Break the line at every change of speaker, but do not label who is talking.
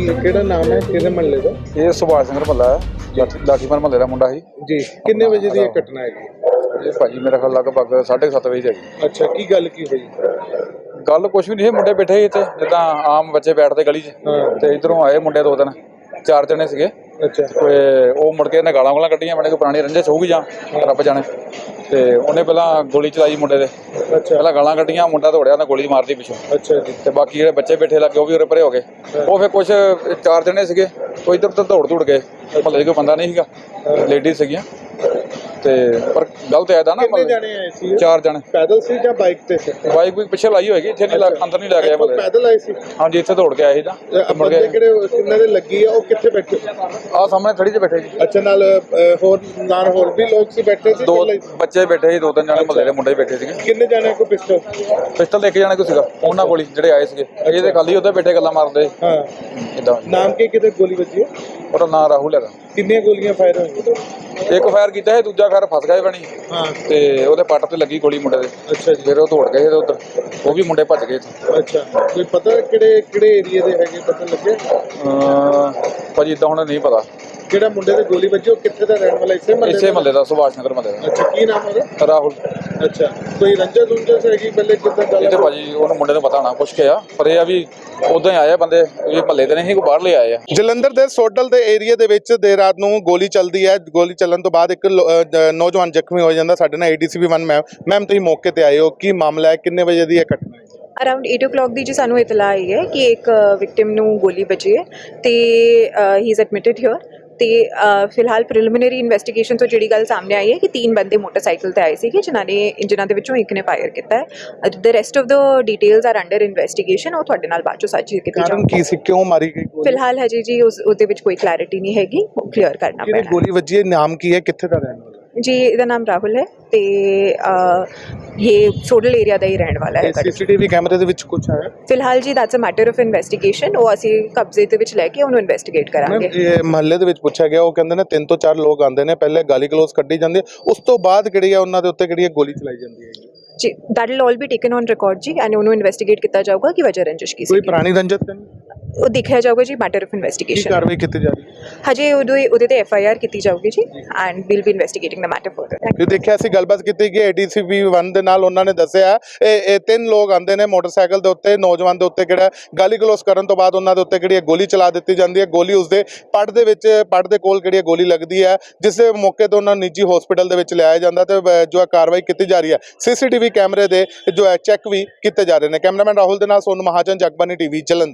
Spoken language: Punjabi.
ਕਿਹੜਾ ਨਾਮ ਹੈ ਕਿਹਦੇ ਮਹੱਲੇ ਦਾ?
ਇਹ ਸੁਭਾਸ਼ ਸਿੰਘ ਮਹੱਲਾ ਹੈ, ਲਾਠੀਪੁਰ ਮਹੱਲੇ ਦਾ ਮੁੰਡਾ ਸੀ
ਜੀ ਕਿੰਨੇ ਵਜੇ ਦੀ ਇਹ ਘਟਨਾ ਹੈਗੀ?
ਇਹ ਭਾਜੀ ਮੇਰਾ ਖਿਆਲ ਲਗਭਗ 7:30 ਵਜੇ ਦੀ
ਅੱਛਾ ਕੀ ਗੱਲ ਕੀ ਹੋਈ?
ਗੱਲ ਕੁਛ ਵੀ ਨਹੀਂ ਸੀ। ਮੁੰਡੇ ਬੈਠੇ ਸੀ ਇੱਥੇ ਜਿੱਦਾਂ ਆਮ ਬੱਚੇ ਬੈਠਦੇ ਗਲੀ 'ਚ, ਤੇ ਇਧਰੋਂ ਆਏ ਮੁੰਡੇ 2 ਦਿਨ 4 ਜਣੇ ਸੀਗੇ।
ਅੱਛਾ
ਤੇ ਉਹ ਮੁੜ ਕੇ ਇਹਨੇ ਗਾਲਾਂ ਕੱਢੀਆਂ, ਮੈਨੇ ਕੋਈ ਪੁਰਾਣੀ ਰੰਜਿਸ਼ ਹੋਊਗੀ ਜਾਂ ਰੱਬ ਜਾਣੇ। ਤੇ ਉਹਨੇ ਪਹਿਲਾਂ ਗੋਲੀ ਚਲਾਈ ਮੁੰਡੇ ਦੇ,
ਅੱਛਾ
ਪਹਿਲਾਂ ਗਾਲਾਂ ਕੱਢੀਆਂ, ਮੁੰਡਾ ਦੌੜਿਆ ਤਾਂ ਗੋਲੀ ਮਾਰਦੀ ਪਿੱਛੋਂ।
ਅੱਛਾ ਜੀ
ਤੇ ਬਾਕੀ ਜਿਹੜੇ ਬੱਚੇ ਬੈਠੇ ਲੱਗੇ ਉਹ ਵੀ ਉਰੇ ਪਰੇ ਹੋ ਗਏ। ਉਹ ਫਿਰ ਕੁਛ 4 ਜਣੇ ਸੀਗੇ, ਉਹ ਇੱਧਰ ਉੱਧਰ ਦੌੜ ਗਏ। ਮਹੱਲੇ 'ਚ ਕੋਈ ਬੰਦਾ ਨਹੀਂ ਸੀਗਾ, ਲੇਡੀਜ਼ ਸੀਗੀਆਂ। ਤੇ ਪਰ ਗਲਤ ਐਦਾ ਨਾ,
ਕਿੰਨੇ ਜਾਣੇ ਆਏ ਸੀ?
4 ਜਣੇ।
ਪੈਦਲ ਸੀ ਜਾਂ ਬਾਈਕ ਤੇ ਸੀ?
ਬਾਈਕ ਵੀ ਪਿੱਛੇ ਲਾਈ ਹੋਏਗੀ, ਇੱਥੇ ਨਹੀਂ ਅੰਦਰ ਨਹੀਂ ਲੈ ਗਿਆ ਮਹੱਲੇ।
ਪੈਦਲ ਆਏ ਸੀ?
ਹਾਂਜੀ ਇੱਥੇ ਦੌੜ ਕੇ ਆਏ ਸੀ ਤਾਂ ਮੁੜ
ਬੰਦੇ
ਕੇ
ਕਿਹੜੇ ਕਿੰਨਾਂ ਦੇ ਲੱਗੀ ਆ, ਉਹ ਕਿੱਥੇ ਬੈਠੇ?
ਆਹ ਸਾਹਮਣੇ ਥੜੀ 'ਚ ਬੈਠੇ ਜੀ।
ਅੱਛਾ ਨਾਲ ਹੋਰ ਵੀ ਲੋਕ ਸੀ ਬੈਠੇ ਸੀ?
2 ਬੱਚੇ ਬੈਠੇ ਸੀ, 2-3 ਜਣੇ ਮਹੱਲੇ ਦੇ ਮੁੰਡੇ ਬੈਠੇ ਸੀਗੇ।
ਕਿੰਨੇ ਜਾਣੇ ਕੋ ਪਿਸਟਲ?
ਪਿਸਟਲ ਇੱਕ ਜਣੇ ਕੋ ਸੀਗਾ ਉਹਨਾਂ ਕੋਲ ਹੀ, ਜਿਹੜੇ ਆਏ ਸੀਗੇ। ਇਹ ਤੇ ਖਾਲੀ ਉੱਥੇ ਬੈਠੇ ਗੱਲਾਂ ਮਾਰਦੇ
ਹਾਂ।
ਇਦਾਂ।
ਨਾਮ ਕੀ ਕਿਤੇ ਗੋਲੀ ਵੱਜੀ ਹੈ?
ਉਹਦਾ ਨਾਂ ਰਾਹੁਲ ਹੈਗਾ।
ਕਿੰਨੀਆਂ ਗੋਲੀਆਂ ਫਾਇਰ ਹੋਈਆਂ?
ਇੱਕ ਫਾਇਰ ਕੀਤਾ ਹੈ, ਦੂਜਾ ਫਾਇਰ ਫਸ ਗਿਆ ਬਣੀ।
ਹਾਂ
ਤੇ ਉਹਦੇ ਪੱਟ ਤੇ ਲੱਗੀ ਗੋਲੀ ਮੁੰਡੇ ਦੇ।
ਅੱਛਾ ਜੀ।
ਫਿਰ ਉਹ ਦੌੜ ਗਏ ਉਧਰ, ਉਹ ਵੀ ਮੁੰਡੇ ਭੱਜ ਗਏ ਇੱਥੇ।
ਅੱਛਾ ਕੋਈ ਪਤਾ ਕਿਹੜੇ ਏਰੀਆ ਦੇ ਹੈਗੇ, ਪਤਾ ਲੱਗਿਆ?
ਭਾਜੀ ਇਦਾਂ ਹੁਣ ਨਹੀਂ ਪਤਾ।
ਜਿਹੜਾ ਮੁੰਡੇ ਦੇ ਗੋਲੀ ਵੱਜੀ ਉਹ ਕਿੱਥੇ ਦਾ ਰਹਿਣ ਵਾਲਾ? ਇਸੇ
ਮਹੱਲੇ ਦਾ, ਸੁਭਾਸ਼ ਨਗਰ ਮਹੱਲੇ ਦਾ।
ਅੱਛਾ ਕੀ ਨਾਮ ਉਹਦਾ?
ਰਾਹੁਲ।
ਅੱਛਾ ਕੋਈ ਰੰਜਸ ਹੈਗੀ ਪਹਿਲੇ ਕਿੱਦਾਂ ਗੱਲ?
ਇਹ ਤੇ ਭਾਜੀ ਉਹਨੂੰ ਮੁੰਡੇ ਨੂੰ ਪਤਾ ਹੋਣਾ, ਪੁੱਛ ਕੇ ਆ। ਪਰ ਇਹ ਆ ਵੀ ਉਦਾਂ ਹੀ ਆਏ ਬੰਦੇ, ਇਹ ਮਹੱਲੇ ਦੇ ਨਹੀਂ, ਕੋਈ ਬਾਹਰਲੇ ਆਏ ਆ।
ਜਲੰਧਰ ਦੇ ਸੋਡਲ ਦੇ ਏਰੀਆ ਦੇ ਵਿੱਚ ਦੇਰ ਰਾਤ ਨੂੰ ਗੋਲੀ ਚੱਲਦੀ ਹੈ। ਗੋਲੀ ਚੱਲਣ ਤੋਂ ਬਾਅਦ ਇੱਕ ਨੌਜਵਾਨ ਜ਼ਖਮੀ ਹੋ ਜਾਂਦਾ। ਸਾਡੇ ਨਾਲ ADCP 1 ਮੈਮ ਤੁਸੀਂ ਮੌਕੇ ਤੇ ਆਏ ਹੋ, ਕੀ ਮਾਮਲਾ ਹੈ, ਕਿੰਨੇ ਵਜੇ ਦੀ ਇਹ ਘਟਨਾ ਹੈ?
ਅਰਾਊਂਡ 8 o'clock ਦੀ ਜੀ ਸਾਨੂੰ ਇਤਲਾ ਆਈ ਹੈ ਕਿ ਇੱਕ ਵਿਕਟਿਮ ਨੂੰ ਗੋਲੀ ਵੱਜੀ ਹੈ ਤੇ ਹੀ ਇਜ਼ ਐਡਮਿਟਡ ਹਿਅਰ। ਤੇ ਫਿਲਹਾਲ ਪ੍ਰੀਲਿਮਿਨਰੀ ਇਨਵੈਸਟੀਗੇਸ਼ਨ ਤੋਂ ਜਿਹੜੀ ਗੱਲ ਸਾਹਮਣੇ ਆਈ ਹੈ ਕਿ 3 ਬੰਦੇ ਮੋਟਰਸਾਈਕਲ ਤੇ ਆਏ ਸੀਗੇ, ਜਿਨ੍ਹਾਂ ਦੇ ਵਿੱਚੋਂ ਇੱਕ ਨੇ ਫਾਇਰ ਕੀਤਾ ਹੈ। The rest of the details are under investigation. ਉਹ ਤੁਹਾਡੇ ਨਾਲ ਬਾਅਦ ਚੋਂ ਸਾਂਝੀ ਕੀਤੀ
ਕਾਰਨ ਕੀ ਸੀ, ਕਿਉਂ ਮਾਰੀ ਗਈ ਗੋਲੀ?
ਫਿਲਹਾਲ ਹਜੇ ਜੀ ਉਹਦੇ ਵਿੱਚ ਕੋਈ ਕਲੈਰਿਟੀ ਨਹੀਂ ਹੈਗੀ, ਕਲੀਅਰ ਕਰਨਾ ਪੈਣਾ।
ਗੋਲੀ ਵੱਜੀ ਹੈ, ਨਾਮ ਕੀ ਹੈ, ਕਿੱਥੇ ਦਾ ਰਹਿਣ ਵਾਲਾ?
ਜੀ ਇਹਦਾ ਨਾਮ ਰਾਹੁਲ ਹੈ ਤੇ ਇਹ ਸੋਡਲ ਏਰੀਆ ਦਾ ਹੀ ਰਹਿਣ ਵਾਲਾ ਹੈ।
CCTV ਕੈਮਰੇ ਦੇ ਵਿੱਚ ਕੁਝ ਆਇਆ?
ਫਿਲਹਾਲ ਜੀ that's a matter of investigation. ਉਹ ਅਸੀਂ ਕਬਜ਼ੇ ਦੇ ਵਿੱਚ ਲੈ ਕੇ ਉਹਨੂੰ ਇਨਵੈਸਟੀਗੇਟ ਕਰਾਂਗੇ।
ਇਹ ਮਹੱਲੇ ਦੇ ਵਿੱਚ ਪੁੱਛਿਆ ਗਿਆ, ਉਹ ਕਹਿੰਦੇ ਨੇ 3 ਤੋਂ 4 ਲੋਕ ਆਉਂਦੇ ਨੇ, ਪਹਿਲੇ ਗਾਲੀ ਗਲੋਚ ਕੱਢੀ ਜਾਂਦੀ, ਉਸ ਤੋਂ ਬਾਅਦ ਕਿਹੜੀ ਹੈ ਉਹਨਾਂ ਦੇ ਉੱਤੇ ਕਿਹੜੀ ਗੋਲੀ ਚਲਾਈ ਜਾਂਦੀ ਹੈ
ਜੀ। That will all be taken on record ਜੀ, ਐਂਡ ਉਹਨੂੰ ਇਨਵੈਸਟੀਗੇਟ ਕੀਤਾ ਜਾਊਗਾ ਕਿ ਵਜ੍ਹਾ ਰੰਜਿਸ਼ ਕੀ ਸੀ।
ਕੋਈ ਪੁਰਾਣੀ ਰੰਜਿਸ਼ ਤਾਂ ਨਹੀਂ?
ਉਹ ਦੇਖਿਆ ਜਾਊਗਾ ਜੀ, ਮੈਟਰ ਆਫ
ਕੀ
ਇਨਵੈਸਟੀਗੇਸ਼ਨ।
ਕਾਰਵਾਈ ਕੀਤੀ ਜਾ ਰਹੀ ਹੈ?
ਹਜੇ ਉਹਦੇ ਤੇ FIR ਕੀਤੀ ਜਾਊਗੀ ਜੀ, and will be investigating the matter further.
ਇਹ ਦੇਖਿਆ ਸੀ ਗੱਲਬਾਤ ਕੀਤੀ ਗਈ ADCP 1 ਦੇ ਨਾਲ। ਉਹਨਾਂ ਨੇ ਦੱਸਿਆ ਇਹ 3 ਲੋਕ ਆਉਂਦੇ ਨੇ ਮੋਟਰਸਾਈਕਲ ਦੇ ਉੱਤੇ, ਨੌਜਵਾਨ ਦੇ ਉੱਤੇ ਕਿਹੜਾ ਗਾਲੀ ਗਲੋਚ ਕਰਨ ਤੋਂ ਬਾਅਦ ਉਹਨਾਂ ਦੇ ਉੱਤੇ ਕਿਹੜੀ ਗੋਲੀ ਚਲਾ ਦਿੱਤੀ ਜਾਂਦੀ ਹੈ। ਗੋਲੀ ਉਸਦੇ ਪੱਟ ਦੇ ਵਿੱਚ, ਪੱਟ ਦੇ ਕੋਲ ਕਿਹੜੀ ਗੋਲੀ ਲੱਗਦੀ ਹੈ, ਜਿਸ ਦੇ ਮੌਕੇ ਤੋਂ ਉਹਨਾਂ ਨੂੰ ਨਿੱਜੀ ਹਸਪੀਟਲ ਦੇ ਵਿੱਚ ਲਿਆਇਆ ਜਾਂਦਾ ਤੇ ਜੋ ਕਾਰਵਾਈ ਕੀਤੀ ਜਾ ਰਹੀ ਹੈ। CCTV ਕੈਮਰੇ ਦੇ ਜੋ ਹੈ ਚੈੱਕ ਵੀ ਕੀਤੇ ਜਾ ਰਹੇ ਨੇ। ਕੈਮਰਾਮੈਨ ਰਾਹੁਲ ਦੇ ਨਾਲ ਸੋਨੂ ਮਹਾਜਨ, ਜਗਬਾਨੀ TV ਜਲੰਧਰ।